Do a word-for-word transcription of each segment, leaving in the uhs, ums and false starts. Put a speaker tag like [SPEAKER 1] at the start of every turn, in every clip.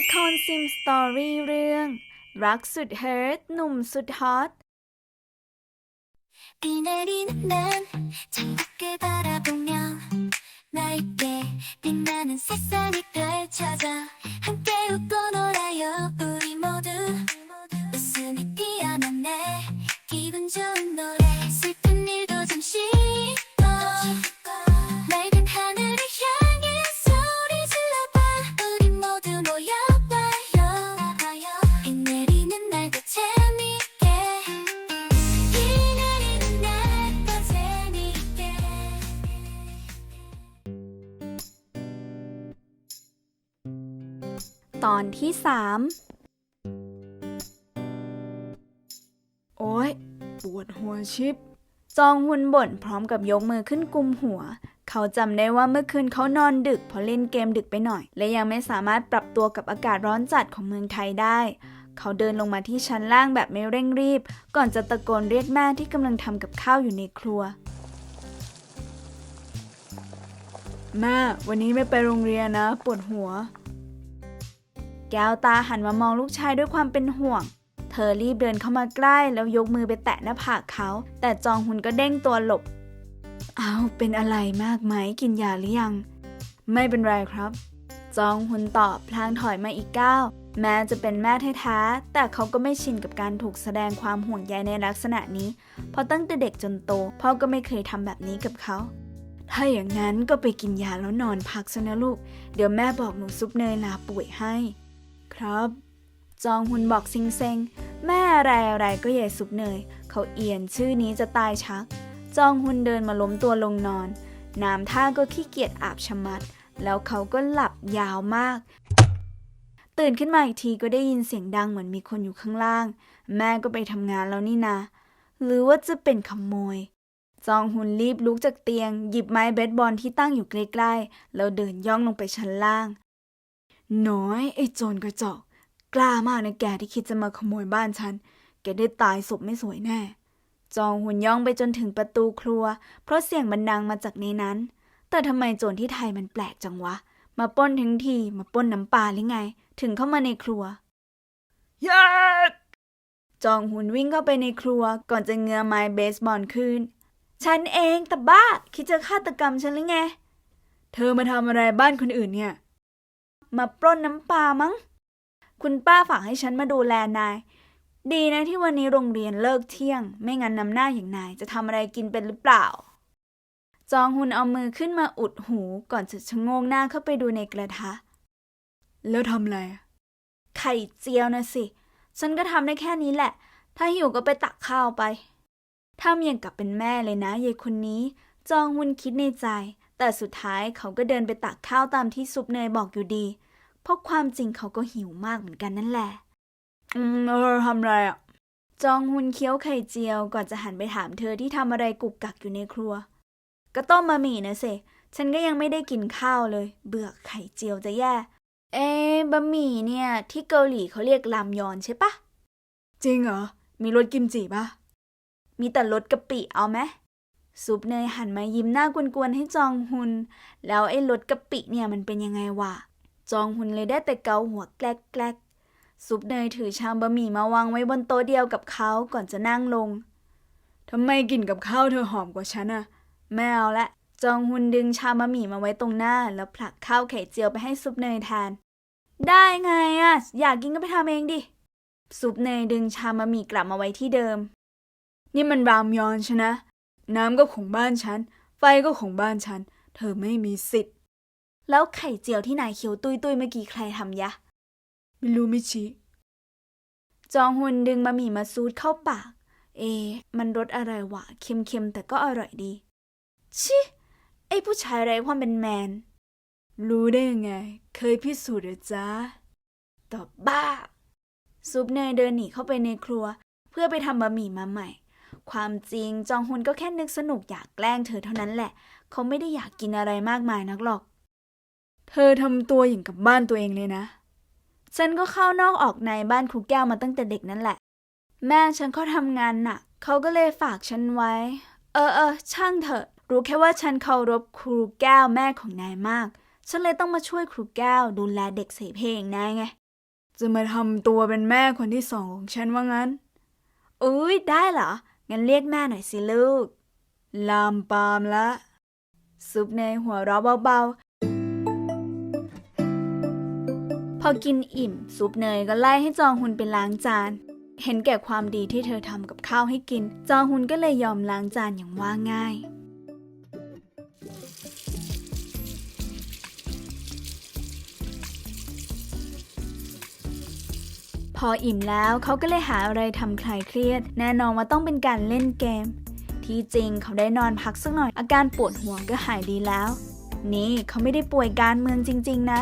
[SPEAKER 1] ละครซิมสตอรี่เรื่องรักสุดเฮิร์ตหนุ่มสุดฮอต
[SPEAKER 2] 비내리는 난 창밖을 바라보며 너에게 빛나는 세상이 펼쳐져 함께 웃고 놀아요 우리 모두 웃음이 피어난 날 기분 좋은 노래 슬픈 일도 잠시 잊고 맑은 하늘을 향해 소리 질러봐 우리 모두 모여봐요 비 내리는 날도 재밌게 비 내리는 날도 재밌게
[SPEAKER 1] ตอนที่สามโอ๊ยปวดหัวชิบจองฮุนบ่นพร้อมกับยกมือขึ้นกุมหัวเขาจำได้ว่าเมื่อคืนเขานอนดึกเพราะเล่นเกมดึกไปหน่อยและยังไม่สามารถปรับตัวกับอากาศร้อนจัดของเมืองไทยได้เขาเดินลงมาที่ชั้นล่างแบบไม่เร่งรีบก่อนจะตะโกนเรียกแม่ที่กำลังทำกับข้าวอยู่ในครัวแม่วันนี้ไม่ไปโรงเรียนนะปวดหัวแก้วตาหันมามองลูกชายด้วยความเป็นห่วงเธอรีบเดินเข้ามาใกล้แล้วยกมือไปแตะหน้าผากเขาแต่จองฮุนก็เด้งตัวหลบอ้าวเป็นอะไรมากไหมกินยาหรือยังไม่เป็นไรครับจองฮุนตอบพลางถอยมาอีกก้าวแม้จะเป็นแม่แท้ๆแต่เขาก็ไม่ชินกับการถูกแสดงความห่วงใยในลักษณะนี้เพราะตั้งแต่เด็กจนโตพ่อก็ไม่เคยทำแบบนี้กับเขาถ้าอย่างนั้นก็ไปกินยาแล้วนอนพักซะนะลูกเดี๋ยวแม่บอกหนูซุปเนยลาป่วยให้ครับจองฮุนบอกซิงเซ็งแม่อะไรอะไรก็ใหญ่ซุปเนยเขาเอียนชื่อนี้จะตายชักจองฮุนเดินมาล้มตัวลงนอนน้ำท่าก็ขี้เกียจอาบชะมัดแล้วเขาก็หลับยาวมากตื่นขึ้นมาอีกทีก็ได้ยินเสียงดังเหมือนมีคนอยู่ข้างล่างแม่ก็ไปทำงานแล้วนี่นะหรือว่าจะเป็นขโมยจองฮุนรีบลุกจากเตียงหยิบไม้เบสบอลที่ตั้งอยู่ใกล้ๆแล้วเดินย่องลงไปชั้นล่างน้อยไอ้โจรกระจอกกล้ามากนะแกที่คิดจะมาขโมยบ้านฉันแกได้ตายศพไม่สวยแน่จองฮุนย่องไปจนถึงประตูครัวเพราะเสียงมันดังมาจากในนั้นแต่ทำไมโจรที่ไทยมันแปลกจังวะมาปล้นทั้งทีมาปล้นน้ำปลาหรือไงถึงเข้ามาในครัวยาจองฮุนวิ่งเข้าไปในครัวก่อนจะเงื้อไม้เบสบอลขึ้นฉันเองแต่บ้าคิดจะฆาตกรรมฉันหรือไงเธอมาทำอะไรบ้านคนอื่นเนี่ยมาปล้นน้ำปลามั้งคุณป้าฝากให้ฉันมาดูแลนายดีนะที่วันนี้โรงเรียนเลิกเที่ยงไม่งั้นน้ำหน้าอย่างนายจะทำอะไรกินเป็นหรือเปล่าจองฮุนเอามือขึ้นมาอุดหูก่อนจะชะโงกหน้าเข้าไปดูในกระทะแล้วทำอะไรไข่เจียวนะสิฉันก็ทำได้แค่นี้แหละถ้าหิวก็ไปตักข้าวไปทำอย่างกับเป็นแม่เลยนะยายคนนี้จองฮุนคิดในใจแต่สุดท้ายเขาก็เดินไปตักข้าวตามที่ซุปเนยบอกอยู่ดีเพราะความจริงเขาก็หิวมากเหมือนกันนั่นแหละอืมเออทำอะไรอ่ะจองฮุนเคี้ยวไข่เจียวก่อนจะหันไปถามเธอที่ทำอะไรกุกกักอยู่ในครัวก็ต้มบะหมี่นะสิฉันก็ยังไม่ได้กินข้าวเลยเบื่อไข่เจียวจะแย่เอ๊ะบะหมี่เนี่ยที่เกาหลีเขาเรียกรามยอนใช่ปะจริงเหรอมีรสกิมจิปะมีแต่รสกะปิเอาไหมซุปเนยหันมายิ้มหน้ากวนๆให้จองฮุนแล้วไอ้รสกะปิเนี่ยมันเป็นยังไงวะจองฮุนเลยได้แต่เกาหัวแกลกๆซุปเนยถือชามบะหมี่มาวางไว้บนโต๊ะเดียวกับเขาก่อนจะนั่งลงทำไมกินกับข้าวเธอหอมกว่าฉันอะไม่เอาละจองฮุนดึงชามบะหมี่มาไว้ตรงหน้าแล้วผลักข้าวไข่เจียวไปให้ซุปเนยทานได้ไงอะอยากกินก็ไปทำเองดิซุปเนยดึงชามบะหมี่กลับมาไว้ที่เดิมนี่มันรามยอนใช่นะน้ำก็ของบ้านฉันไฟก็ของบ้านฉันเธอไม่มีสิทธิ์แล้วไข่เจียวที่นายเคี้ยวตุยตุยเมื่อกี้ใครทำยะไม่รู้ไม่ชี้จองฮุนดึงบะหมี่มาซูดเข้าปากเอมันรสอะไรวะเค็มๆแต่ก็อร่อยดีชิไอ้ผู้ชายไร้ความเป็นแมนรู้ได้ยังไงเคยพิสูจน์หรือจ๊ะตอบบ้าซุปเนยเดินหนีเข้าไปในครัวเพื่อไปทำบะหมี่มาใหม่ความจริงจองฮุนก็แค่นึกสนุกอยากแกล้งเธอเท่านั้นแหละเขาไม่ได้อยากกินอะไรมากมายนักหรอกเธอทำตัวอย่างกับบ้านตัวเองเลยนะฉันก็เข้านอกออกในบ้านครูแก้วมาตั้งแต่เด็กนั่นแหละแม่ฉันเขาทำงานหนักเขาก็เลยฝากฉันไว้เออเออช่างเถอะรู้แค่ว่าฉันเคารพครูแก้วแม่ของนายมากฉันเลยต้องมาช่วยครูแก้วดูแลเด็กเสเพอย่างนายไงจะมาทำตัวเป็นแม่คนที่สองของฉันว่างั้นอุ้ยได้เหรอ งั้นเรียกแม่หน่อยสิลูก ลามปามละ ซุปเนยหัวเราะเบาๆ พอกินอิ่ม ซุปเนยก็ไล่ให้จองฮุนไปล้างจาน เห็นแก่ความดีที่เธอทำกับข้าวให้กิน จองฮุนก็เลยยอมล้างจานอย่างว่าง่าย พออิ่มแล้วเขาก็เลยหาอะไรทำคลายเครียด แน่นอนว่าต้องเป็นการเล่นเกม ที่จริงเขาได้นอนพักสักหน่อยอาการปวดหัวก็หายดีแล้ว นี่เขาไม่ได้ป่วยการเมืองจริงๆนะ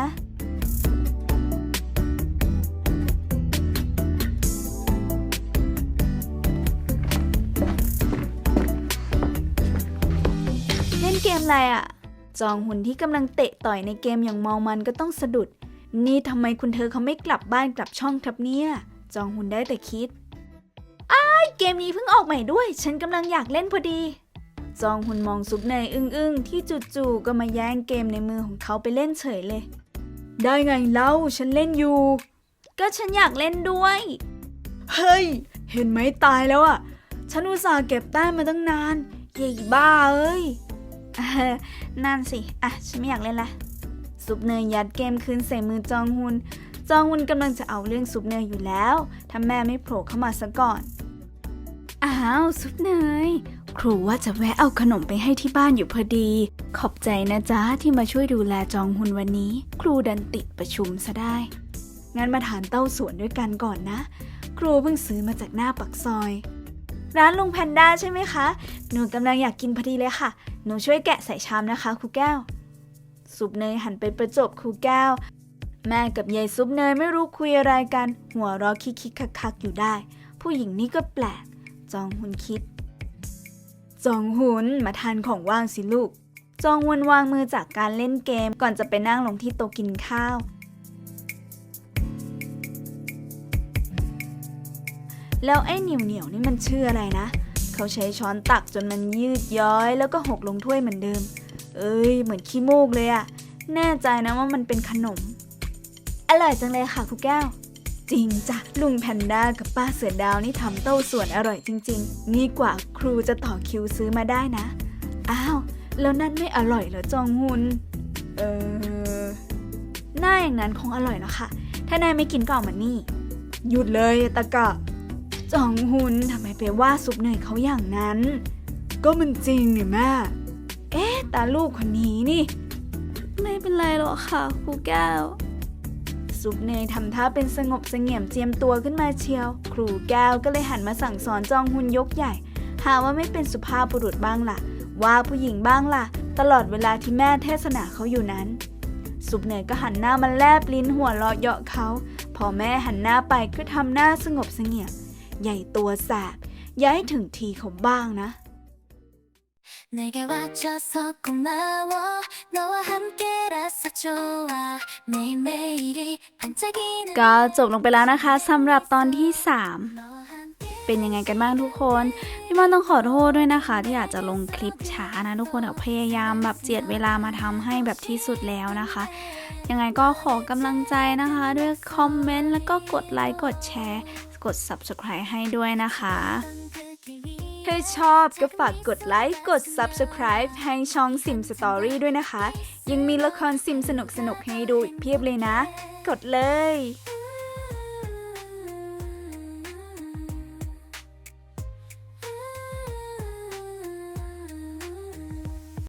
[SPEAKER 1] เล่นเกมอะไรอะจองหุนที่กำลังเตะต่อยในเกมอย่างเมามันก็ต้องสะดุด นี่ทำไมคุณเธอเขาไม่กลับบ้านกลับช่องครับเนี่ย จองหุนได้แต่คิดอ้ายเกมนี้เพิ่งออกใหม่ด้วย ฉันกำลังอยากเล่นพอดี จองหุนมองซุปเนยอึ้งๆที่จู่ๆก็มาแย่งเกมในมือของเขาไปเล่นเฉยเลย ได้ไงเล่าฉันเล่นอยู่ ก็ฉันอยากเล่นด้วย เฮ้ย เห็นไหมตายแล้วอ่ะ ฉันอุตส่าห์เก็บแต้มมาตั้งนานเย่บ้าเอ้ย นั่นสิ อ่ะ ฉันไม่อยากเล่นละ ซุปเนยยัดเกมคืนใส่มือจองฮุน จองฮุนกำลังจะเอาเรื่องซุปเนยอยู่แล้ว ถ้าแม่ไม่โผล่เข้ามาซะก่อน อ้าว ซุปเนย ครูว่าจะแวะเอาขนมไปให้ที่บ้านอยู่พอดี ขอบใจนะจ๊ะที่มาช่วยดูแลจองฮุนวันนี้ ครูดันติดประชุมซะได้ งั้นมาทานเต้าส่วนด้วยกันก่อนนะ ครูเพิ่งซื้อมาจากหน้าปากซอย ร้านลุงแพนด้าใช่ไหมคะ หนูกำลังอยากกินพอดีเลยค่ะ หนูช่วยแกะใส่ชามนะคะครูแก้ว ซุปเนยหันไปประจบครูแก้ว แม่กับยายซุปเนยไม่รู้คุยอะไรกัน หัวเราะคิกๆคักๆอยู่ได้ ผู้หญิงนี่ก็แปลก จองฮุนคิด จองฮุนมาทานของว่างสิลูก จองฮุนวางมือจากการเล่นเกมก่อนจะไปนั่งลงที่โต๊ะกินข้าว แล้วไอ้เหนียวเหนียวนี่มันชื่ออะไรนะ เขาใช้ช้อนตักจนมันยืดย้อยแล้วก็หกลงถ้วยเหมือนเดิม เอ้ยเหมือนขี้มูกเลยอะแน่ใจนะว่ามันเป็นขนม อร่อยจังเลยค่ะครูแก้ว จริงจ้ะลุงแพนด้ากับป้าเสือดาวนี่ทำเต้าส่วนอร่อยจริงๆนี่กว่าครูจะต่อคิวซื้อมาได้นะ อ้าวแล้วนั่นไม่อร่อยเหรอจองฮุน เออหน้าอย่างนั้นคงอร่อยแล้วค่ะ ถ้านายไม่กินก็เอามานี่ หยุดเลยตะกะ จองฮุนทำไมไปว่าซุปเนยเขาอย่างนั้น ก็มันจริงนี่แม่ เอ๊ะตาลูกคนนี้นี่ไม่เป็นไรหรอกค่ะครูแก้ว ซุปเนยทำท่าเป็นสงบเสงี่ยมเจียมตัวขึ้นมาเชียว ครูแก้วก็เลยหันมาสั่งสอนจองฮุนยกใหญ่ หาว่าไม่เป็นสุภาพบุรุษบ้างล่ะ ว่าผู้หญิงบ้างล่ะ ตลอดเวลาที่แม่เทศนาเขาอยู่นั้น ซุปเนยก็หันหน้ามาแลบลิ้นหัวเราะเยาะเขาพอแม่หันหน้าไปก็ทำหน้าสงบเสงี่ยมใหญ่ตัวแสบอย่าให้ถึงทีเขาบ้างนะ
[SPEAKER 2] 내게와줘서고마워너와함께라서좋아매일매일이반짝이는ก็จบลงไปแล้วนะคะสำหรับตอนที่สามเป็นยังไงกันบ้างทุกคนพี่มอนต้องขอโทษด้วยนะคะที่อาจจะลงคลิปช้านะทุกคนพยายามแบบเจียดเวลามาทำให้แบบที่สุดแล้วนะคะยังไงก็ขอกำลังใจนะคะด้วยคอมเมนต์แล้วก็กดไลค์กดแชร์กด ซับสไครบ์ ให้ด้วยนะคะถ้าชอบก็ฝากกดไลค์กด ซับสไครบ์ ให้ช่องซิมสตอรี่ด้วยนะคะยังมีละครซิมสนุกๆให้ดูอีกเพียบเลยนะกดเลย